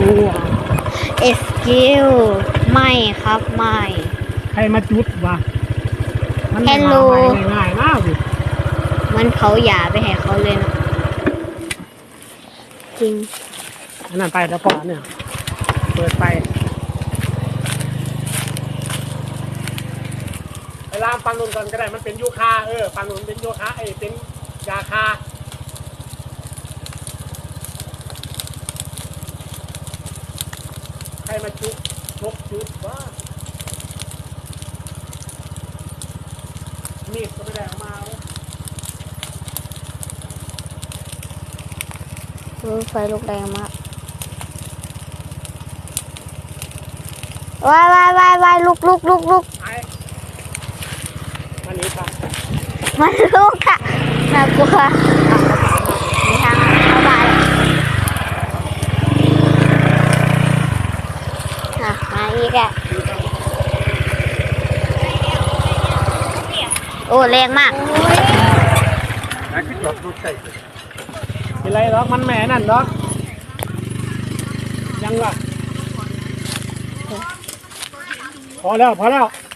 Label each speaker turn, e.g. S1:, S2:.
S1: เอสกิลไม่ครับไม่
S2: ใครมาจุดวะมัน
S1: Hello
S2: ง่ายมากสิ
S1: มันเผาหยาไปให้เขาเลยนะจริง
S2: อันนั้นไปแล้วพอเนี่ยเปิดไปเวลาฟังนุ่นก่อนก็ได้มันเป็นยูคาฟังนุ่นเป็นยูคาเป็นยาคาใครมาจุดจุดว่ามีดก็ไม่ได้เอามาเลย
S1: ไฟลุกแรงมากวายลุก
S2: ไอ้มันนี้ครับ
S1: มันลุกค่ะน่ากลัวมีทางเข้าบ้านมาอีกอ่ะโอ้แรงมาก
S2: เป็นไรหรอกมันแหม่นั่นหรอกยังวะพอแล้ว